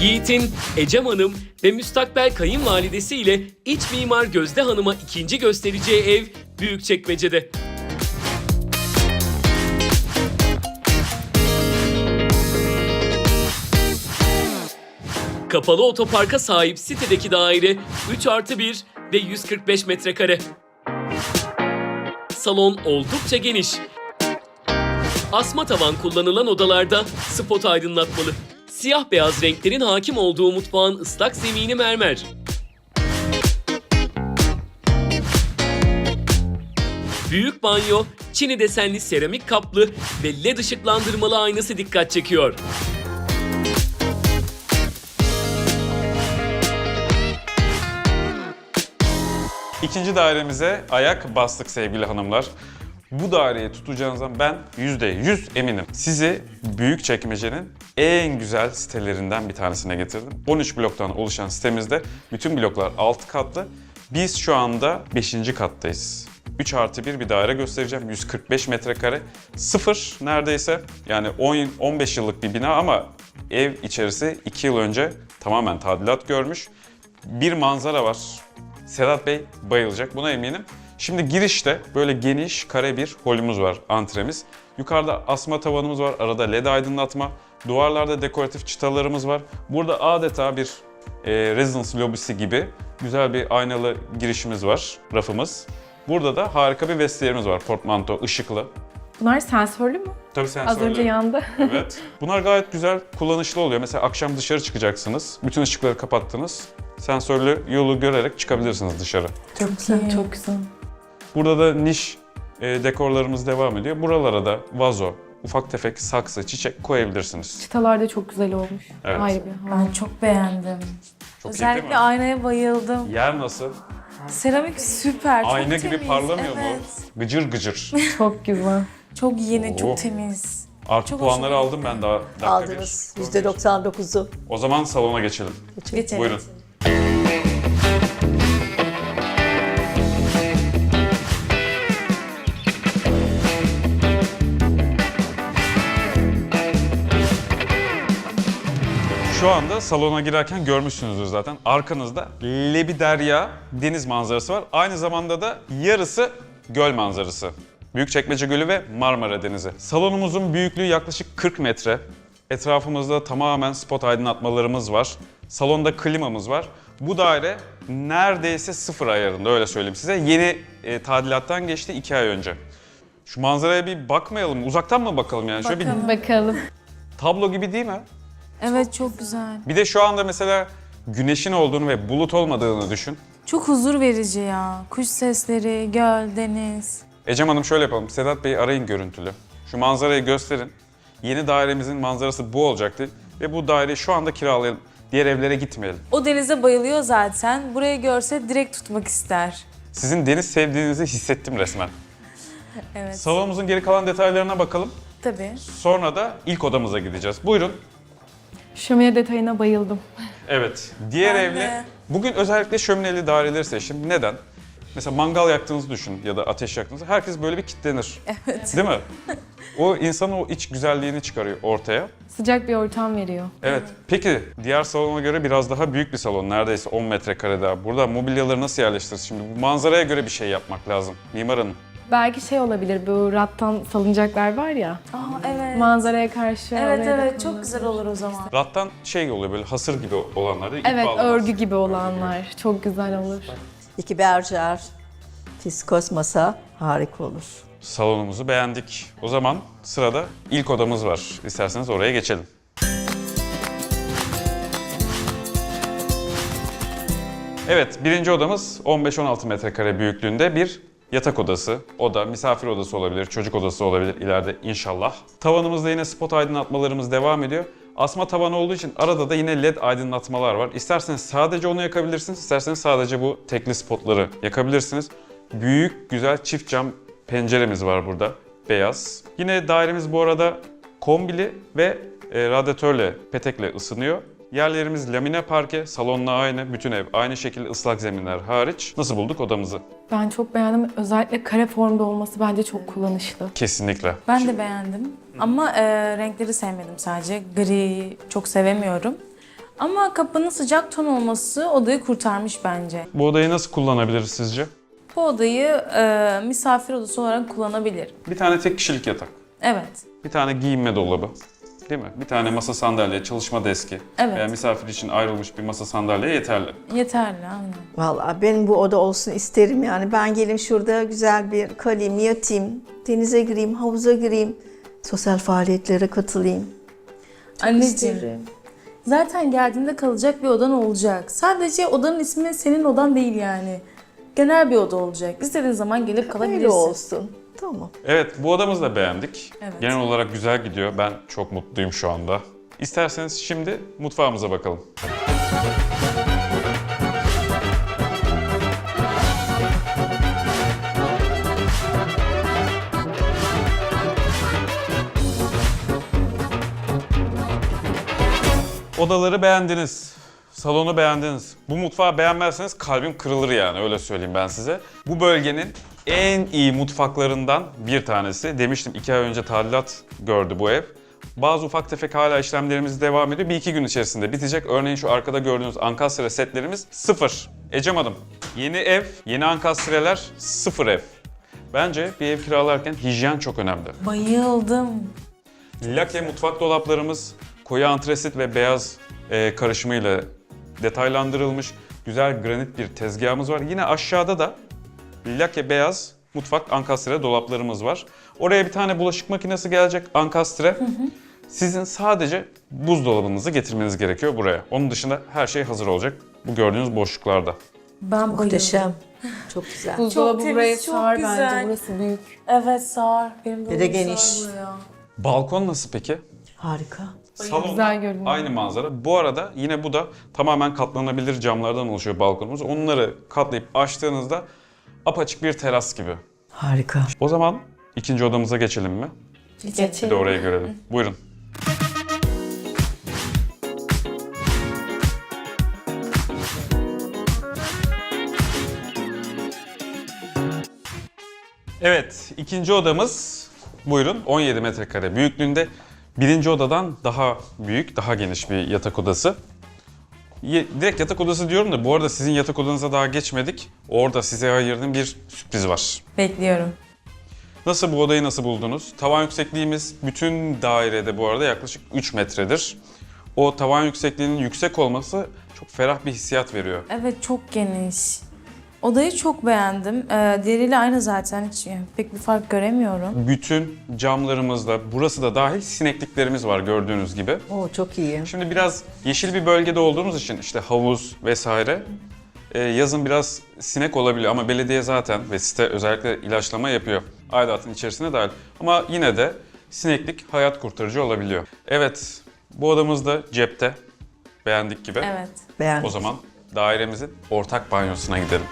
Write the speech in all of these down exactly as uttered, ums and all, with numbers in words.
Yiğit'in, Ecem Hanım ve müstakbel kayınvalidesi ile iç mimar Gözde Hanım'a ikinci göstereceği ev Büyükçekmece'de. Kapalı otoparka sahip sitedeki daire üç artı bir ve yüz kırk beş metrekare. Salon oldukça geniş. Asma tavan kullanılan odalarda spot aydınlatmalı. Siyah beyaz renklerin hakim olduğu mutfağın ıslak zemini mermer. Büyük banyo, çini desenli seramik kaplı ve led ışıklandırmalı aynası dikkat çekiyor. İkinci dairemize ayak bastık sevgili hanımlar. Bu daireyi tutacağınızdan ben yüzde yüz eminim. Sizi Büyükçekmece'nin en güzel sitelerinden bir tanesine getirdim. on üç bloktan oluşan sitemizde bütün bloklar altı katlı. Biz şu anda beşinci kattayız. üç artı bir bir daire göstereceğim. yüz kırk beş metrekare. Sıfır neredeyse. Yani on on beş yıllık bir bina ama ev içerisi iki yıl önce tamamen tadilat görmüş. Bir manzara var. Sedat Bey bayılacak, buna eminim. Şimdi girişte böyle geniş kare bir holümüz var, antremiz. Yukarıda asma tavanımız var, arada led aydınlatma. Duvarlarda dekoratif çıtalarımız var. Burada adeta bir e, residence lobisi gibi güzel bir aynalı girişimiz var, rafımız. Burada da harika bir vestiyerimiz var, portmanto, ışıklı. Bunlar sensörlü mü? Tabii sensörlü. Az önce yandı. Evet. Bunlar gayet güzel, kullanışlı oluyor. Mesela akşam dışarı çıkacaksınız, bütün ışıkları kapattınız. Sensörlü yolu görerek çıkabilirsiniz dışarı. Çok güzel. Çok güzel. Burada da niş e, dekorlarımız devam ediyor. Buralara da vazo, ufak tefek saksı, çiçek koyabilirsiniz. Çıtalar da çok güzel olmuş. Evet. Ayrı bir hava. Ben çok beğendim. Çok iyi değil Özellikle mi? aynaya bayıldım. Yer nasıl? Seramik süper, çok Ayna gibi temiz. parlamıyor evet. mu? Gıcır gıcır. Çok güzel. Çok yeni, Oo. çok temiz. Artı Çok puanları hoşuma aldım ben daha. dakika Aldınız. bir. yüzde doksan dokuzu. O zaman salona geçelim. Geçelim. Buyurun. Şu anda salona girerken görmüşsünüzdür zaten. Arkanızda Lebiderya deniz manzarası var. Aynı zamanda da yarısı göl manzarası. Büyükçekmece Gölü ve Marmara Denizi. Salonumuzun büyüklüğü yaklaşık kırk metre. Etrafımızda tamamen spot aydınlatmalarımız var. Salonda klimamız var. Bu daire neredeyse sıfır ayarında, öyle söyleyeyim size. Yeni e, tadilattan geçti iki ay önce. Şu manzaraya bir bakmayalım mı? Uzaktan mı bakalım yani? Şöyle bir Bakalım. Bakalım. tablo gibi değil mi? Evet, çok güzel. Bir de şu anda mesela güneşin olduğunu ve bulut olmadığını düşün. Çok huzur verici ya. Kuş sesleri, göl, deniz. Ecem Hanım şöyle yapalım. Sedat Bey'i arayın görüntülü. Şu manzarayı gösterin. Yeni dairemizin manzarası bu olacaktı. Ve bu daireyi şu anda kiralayalım. Diğer evlere gitmeyelim. O denize bayılıyor zaten. Burayı görse direkt tutmak ister. Sizin deniz sevdiğinizi hissettim resmen. Evet. Salonumuzun geri kalan detaylarına bakalım. Tabii. Sonra da ilk odamıza gideceğiz. Buyurun. Şömine detayına bayıldım. Evet. Diğer Ben evle... de. Bugün özellikle şömineli daireleri seçtim. Neden? Mesela mangal yaktığınızı düşün ya da ateş yaktığınızı. Herkes böyle bir kitlenir. Evet. Değil mi? O insanın o iç güzelliğini çıkarıyor ortaya. Sıcak bir ortam veriyor. Evet. Peki diğer salona göre biraz daha büyük bir salon. Neredeyse on metrekare daha. Burada mobilyaları nasıl yerleştiririz şimdi? Bu manzaraya göre bir şey yapmak lazım. Mimar Hanım. Belki şey olabilir, bu rattan salıncaklar var ya. Aa, evet. Manzaraya karşı. Evet oraya da evet, çok konulabilir. güzel olur o zaman. Rattan şey oluyor böyle hasır gibi olanlar. ip Evet, bağlamaz. örgü gibi olanlar. Çok güzel olur. İki berjer, fiskos masa harika olur. Salonumuzu beğendik. O zaman sırada ilk odamız var. İsterseniz oraya geçelim. Evet, birinci odamız on beş on altı metrekare büyüklüğünde bir yatak odası. Oda, misafir odası olabilir, çocuk odası olabilir ileride inşallah. Tavanımızda yine spot aydınlatmalarımız devam ediyor. Asma tavan olduğu için arada da yine led aydınlatmalar var. İsterseniz sadece onu yakabilirsiniz, isterseniz sadece bu tekli spotları yakabilirsiniz. Büyük, güzel çift cam penceremiz var burada, beyaz. Yine dairemiz bu arada kombili ve e, radyatörle, petekle ısınıyor. Yerlerimiz lamine parke, salonla aynı, bütün ev aynı şekilde ıslak zeminler hariç. Nasıl bulduk odamızı? Ben çok beğendim. Özellikle kare formda olması bence çok kullanışlı. Kesinlikle. Ben de beğendim. Ama e, renkleri sevmedim sadece. Gri çok sevemiyorum. Ama kapının sıcak ton olması odayı kurtarmış bence. Bu odayı nasıl kullanabiliriz sizce? Bu odayı e, misafir odası olarak kullanabilir. Bir tane tek kişilik yatak, Evet. bir tane giyinme dolabı, değil mi? Bir tane masa sandalye, çalışma deski Evet. veya misafir için ayrılmış bir masa sandalye yeterli. Yeterli aynen. Vallahi benim bu oda olsun isterim yani. Ben geleyim şurada güzel bir kalayım, yatayım, denize gireyim, havuza gireyim, sosyal faaliyetlere katılayım. Çok Anneciğim, isterim. zaten geldiğinde kalacak bir odan olacak. Sadece odanın ismi senin odan değil yani. Genel bir oda olacak. İstediğin zaman gelip kalabilirsin. Öyle olsun. Tamam. Evet, bu odamızı da beğendik. Evet. Genel olarak güzel gidiyor. Ben çok mutluyum şu anda. İsterseniz şimdi mutfağımıza bakalım. Odaları beğendiniz. Salonu beğendiniz. Bu mutfağı beğenmezseniz kalbim kırılır yani, öyle söyleyeyim ben size. Bu bölgenin en iyi mutfaklarından bir tanesi. Demiştim, iki ay önce tadilat gördü bu ev. Bazı ufak tefek hala işlemlerimiz devam ediyor. Bir iki gün içerisinde bitecek. Örneğin şu arkada gördüğünüz ankastre setlerimiz sıfır. Ecem Hanım, yeni ev, yeni ankastreler, sıfır ev. Bence bir ev kiralarken hijyen çok önemli. Bayıldım. Lake mutfak dolaplarımız koyu antresit ve beyaz e, karışımıyla detaylandırılmış güzel granit bir tezgahımız var. Yine aşağıda da lake beyaz mutfak ankastre dolaplarımız var. Oraya bir tane bulaşık makinesi gelecek ankastre. Hı hı. Sizin sadece buzdolabınızı getirmeniz gerekiyor buraya. Onun dışında her şey hazır olacak bu gördüğünüz boşluklarda. Ben bayıldım. Muhteşem. Çok güzel. Buzdolabı temiz, buraya çok sığar güzel. bence. Burası büyük. Evet sağır. Benim Bir de dolabım geniş. sığar buraya. Balkon nasıl peki? Harika. Salonda Güzel görünüyor. aynı manzara. Bu arada yine bu da tamamen katlanabilir camlardan oluşuyor balkonumuz. Onları katlayıp açtığınızda apaçık bir teras gibi. Harika. O zaman ikinci odamıza geçelim mi? Bir de Geçelim. orayı görelim. Buyurun. Evet, ikinci odamız buyurun on yedi metrekare büyüklüğünde. Birinci odadan daha büyük, daha geniş bir yatak odası. Ye- direkt yatak odası diyorum da bu arada sizin yatak odanıza daha geçmedik. Orada size ayırdığım bir sürpriz var. Bekliyorum. Nasıl, bu odayı nasıl buldunuz? Tavan yüksekliğimiz bütün dairede bu arada yaklaşık üç metredir. O tavan yüksekliğinin yüksek olması çok ferah bir hissiyat veriyor. Evet çok geniş. Odayı çok beğendim. Ee, diğeriyle aynı zaten. Hiç yani pek bir fark göremiyorum. Bütün camlarımızda, burası da dahil, sinekliklerimiz var gördüğünüz gibi. Oo, çok iyi. Şimdi biraz yeşil bir bölgede olduğumuz için işte havuz vesaire e, yazın biraz sinek olabiliyor ama belediye zaten ve site özellikle ilaçlama yapıyor. Aidatın içerisine dahil. Ama yine de sineklik hayat kurtarıcı olabiliyor. Evet, bu odamız da cepte. Beğendik gibi. Evet. Beğendim. O zaman dairemizin ortak banyosuna gidelim.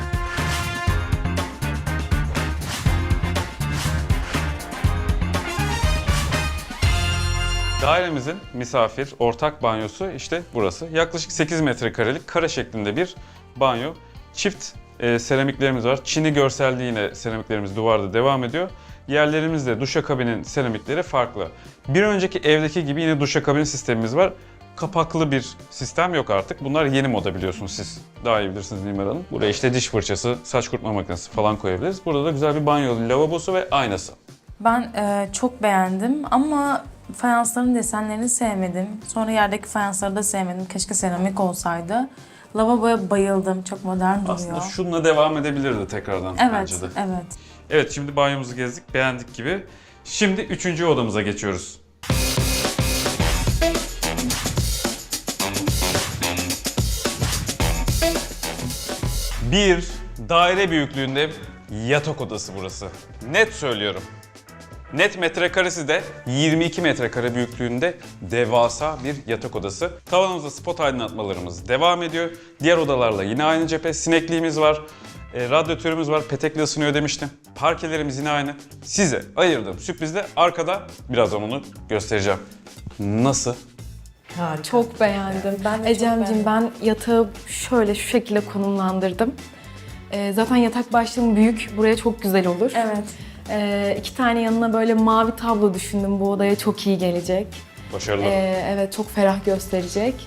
Dairemizin misafir ortak banyosu işte burası. Yaklaşık sekiz metrekarelik kare şeklinde bir banyo. Çift e, seramiklerimiz var. Çini görselliği yine seramiklerimiz duvarda devam ediyor. Yerlerimizde duşakabinin seramikleri farklı. Bir önceki evdeki gibi yine duşakabin sistemimiz var. Kapaklı bir sistem yok artık. Bunlar yeni moda, biliyorsunuz siz. Daha iyi bilirsiniz Nilmer Hanım. Buraya işte diş fırçası, saç kurutma makinesi falan koyabiliriz. Burada da güzel bir banyo lavabosu ve aynası. Ben e, çok beğendim ama fayansların desenlerini sevmedim. Sonra yerdeki fayansları da sevmedim. Keşke seramik olsaydı. Lavaboya bayıldım. Çok modern duruyor. Aslında şununla devam edebilirdi tekrardan Evet, bence de. evet. Evet, şimdi banyomuzu gezdik, beğendik gibi. Şimdi üçüncü odamıza geçiyoruz. Bir daire büyüklüğünde yatak odası burası. Net söylüyorum. Net metrekaresi de yirmi iki metrekare büyüklüğünde devasa bir yatak odası. Tavanımızda spot aydınlatmalarımız devam ediyor. Diğer odalarla yine aynı cephe. Sinekliğimiz var. E, radyatörümüz var. Petekle ısınıyor demiştim. Parkelerimiz yine aynı. Size ayırdığım sürpriz de arkada. Birazdan onu göstereceğim. Nasıl? Harika. Çok beğendim. Ben de çok Ecem'cim, ben yatağı şöyle şu şekilde konumlandırdım. Ee, zaten yatak başlığım büyük. Buraya çok güzel olur. Evet. Ee, iki tane yanına böyle mavi tablo düşündüm. Bu odaya çok iyi gelecek. Başarılı. Ee, evet, çok ferah gösterecek.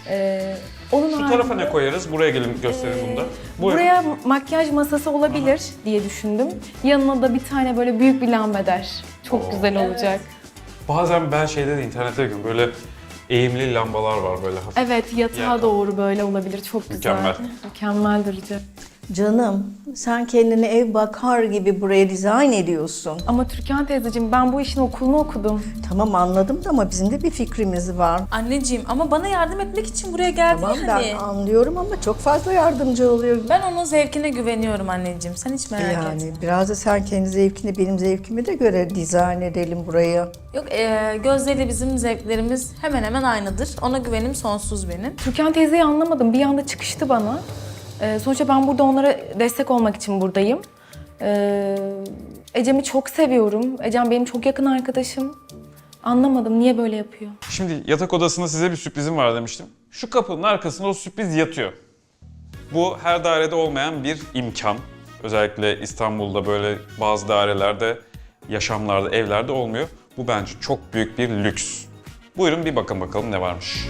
Ee, onun Şu haricinde- tarafa ne koyarız? Buraya gelin gösterin bunu da. Buyurun. Buraya makyaj masası olabilir diye düşündüm. Yanına da bir tane böyle büyük bir lambader. Çok Oo. güzel olacak. Bazen ben şeyde de internette görüyorum böyle eğimli lambalar var böyle hafif. Evet, yatağa Yatağa. doğru böyle olabilir. Çok güzel. Mükemmel. Mükemmel duracak. Canım, sen kendini ev bakar gibi buraya dizayn ediyorsun. Ama Türkan teyzeciğim, ben bu işin okulunu okudum. Tamam anladım da ama bizim de bir fikrimiz var. Anneciğim ama bana yardım etmek için buraya geldi Tamam yani. ben anlıyorum ama çok fazla yardımcı oluyor. Ben onun zevkine güveniyorum anneciğim. Sen hiç merak etme. Yani biraz da sen kendi zevkini benim zevkime de göre dizayn edelim burayı. Yok e, Gözde ile bizim zevklerimiz hemen hemen aynıdır. Ona güvenim sonsuz benim. Türkan teyzeyi anlamadım. Bir anda çıkıştı bana. Ee, sonuçta ben burada onlara destek olmak için buradayım. Ee, Ecem'i çok seviyorum. Ecem benim çok yakın arkadaşım. Anlamadım niye böyle yapıyor. Şimdi yatak odasında size bir sürprizim var demiştim. Şu kapının arkasında o sürpriz yatıyor. Bu her dairede olmayan bir imkan. Özellikle İstanbul'da böyle bazı dairelerde, yaşamlarda, evlerde olmuyor. Bu bence çok büyük bir lüks. Buyurun bir bakın bakalım ne varmış.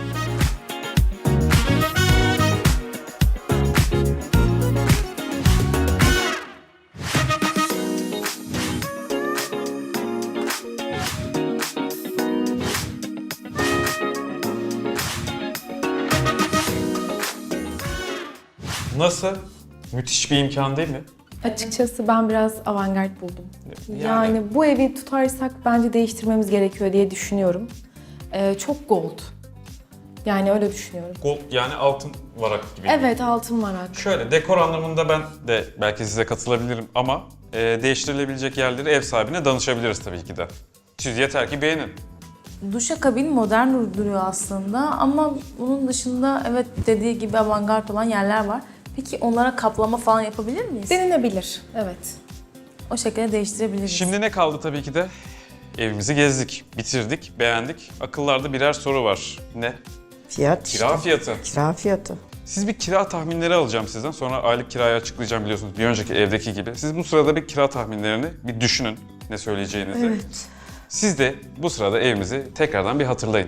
Nasıl? Müthiş bir imkan değil mi? Açıkçası ben biraz avantgard buldum. Yani- Yani, bu evi tutarsak bence değiştirmemiz gerekiyor diye düşünüyorum. Ee, çok gold. Yani öyle düşünüyorum. Gold yani altın varak gibi. Evet, altın varak. Şöyle dekor anlamında ben de belki size katılabilirim ama e, değiştirilebilecek yerleri ev sahibine danışabiliriz tabii ki de. Siz yeter ki beğenin. Duşakabin modern duruyor aslında ama bunun dışında evet dediği gibi avantgard olan yerler var. Peki onlara kaplama falan yapabilir miyiz? Denilebilir, evet. O şekilde değiştirebiliriz. Şimdi ne kaldı tabii ki de? Evimizi gezdik, bitirdik, beğendik. Akıllarda birer soru var. Ne? Fiyat işte. Kira fiyatı. Kira fiyatı. Siz bir kira tahminleri alacağım sizden. Sonra aylık kirayı açıklayacağım biliyorsunuz. Bir önceki evdeki gibi. Siz bu sırada bir kira tahminlerini bir düşünün ne söyleyeceğinizi. Evet. Siz de bu sırada evimizi tekrardan bir hatırlayın.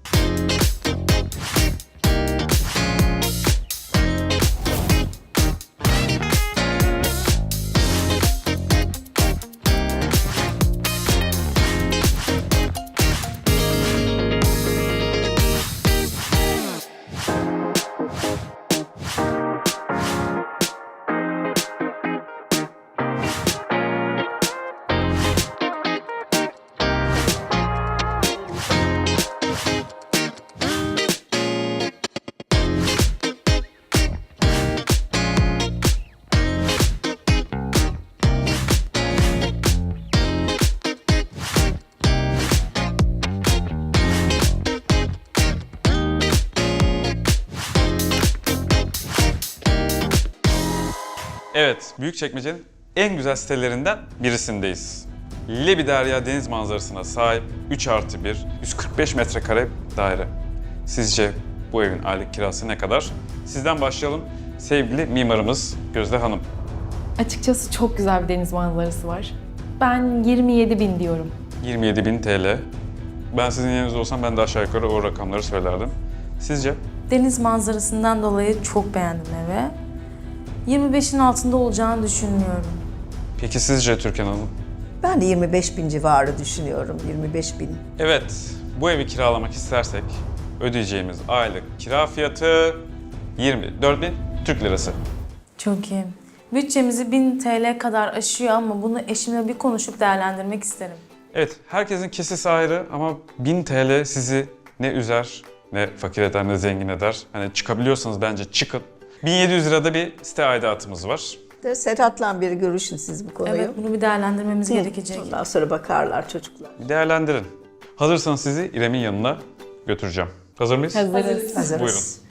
Evet, Büyükçekmece'nin en güzel sitelerinden birisindeyiz. Lebiderya deniz manzarasına sahip üç artı bir, yüz kırk beş metrekare daire. Sizce bu evin aylık kirası ne kadar? Sizden başlayalım sevgili mimarımız Gözde Hanım. Açıkçası çok güzel bir deniz manzarası var. Ben yirmi yedi bin diyorum. yirmi yedi bin T L. Ben sizin yerinizde olsam ben de aşağı yukarı o rakamları söylerdim. Sizce? Deniz manzarasından dolayı çok beğendim evi. yirmi beşin altında olacağını düşünmüyorum. Peki sizce Türkan Hanım? Ben de yirmi beş bin civarı düşünüyorum. yirmi beş bin. Evet, bu evi kiralamak istersek ödeyeceğimiz aylık kira fiyatı yirmi dört bin Türk Lirası. Çok iyi. Bütçemizi bin T L kadar aşıyor ama bunu eşimle bir konuşup değerlendirmek isterim. Evet, herkesin kesesi ayrı ama bin T L sizi ne üzer, ne fakir eder, ne zengin eder. Hani çıkabiliyorsanız bence çıkın. bin yedi yüz lirada bir site aidatımız var. De Sedat'la bir görüşün siz bu konuyu. Evet, bunu bir değerlendirmemiz gerekecek. Ondan sonra bakarlar çocuklar. Bir değerlendirin. Hazırsanız sizi İrem'in yanına götüreceğim. Hazır mıyız? Hazırız. Hazırız. Buyurun.